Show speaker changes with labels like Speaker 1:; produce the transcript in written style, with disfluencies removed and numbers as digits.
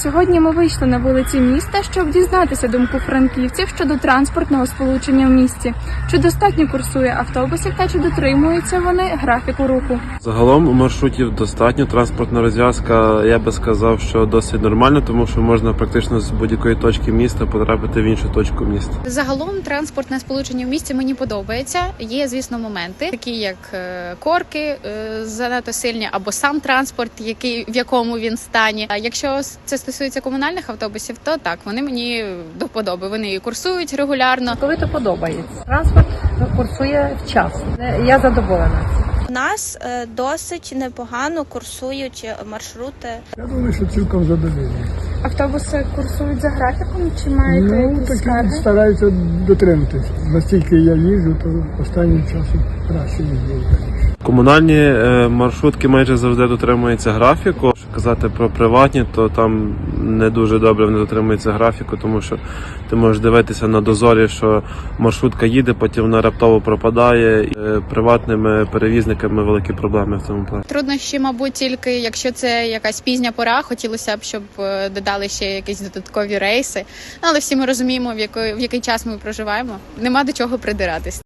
Speaker 1: Сьогодні ми вийшли на вулиці міста, щоб дізнатися думку франківців щодо транспортного сполучення в місті. Чи достатньо курсує автобусів та чи дотримуються вони графіку руху?
Speaker 2: Загалом маршрутів достатньо, транспортна розв'язка, я би сказав, що досить нормально, тому що можна практично з будь-якої точки міста потрапити в іншу точку міста.
Speaker 3: Загалом транспортне сполучення в місті мені подобається. Є, звісно, моменти, такі як корки занадто сильні, або сам транспорт, в якому він стані. А якщо це стосується комунальних автобусів, то так, вони мені до вподоби. Вони курсують регулярно.
Speaker 4: Коли то подобається. Транспорт курсує вчасно. Я задоволена.
Speaker 5: У нас досить непогано курсують маршрути.
Speaker 6: Я думаю, що цілком задоволені.
Speaker 1: Автобуси курсують за графіком чи маєте якісь
Speaker 6: такі
Speaker 1: скарги?
Speaker 6: стараються дотриматись. Настільки я їжджу, то останнім часом краще їздив.
Speaker 2: Комунальні маршрутки майже завжди дотримуються графіку. Якщо казати про приватні, то там не дуже добре вони дотримуються графіку, тому що ти можеш дивитися на дозорі, що маршрутка їде, потім вона раптово пропадає. Приватними перевізниками великі проблеми в цьому плані.
Speaker 3: Труднощі, мабуть, тільки якщо це якась пізня пора, хотілося б, щоб додали ще якісь додаткові рейси. Але всі ми розуміємо, в який час ми проживаємо. Нема до чого придиратись.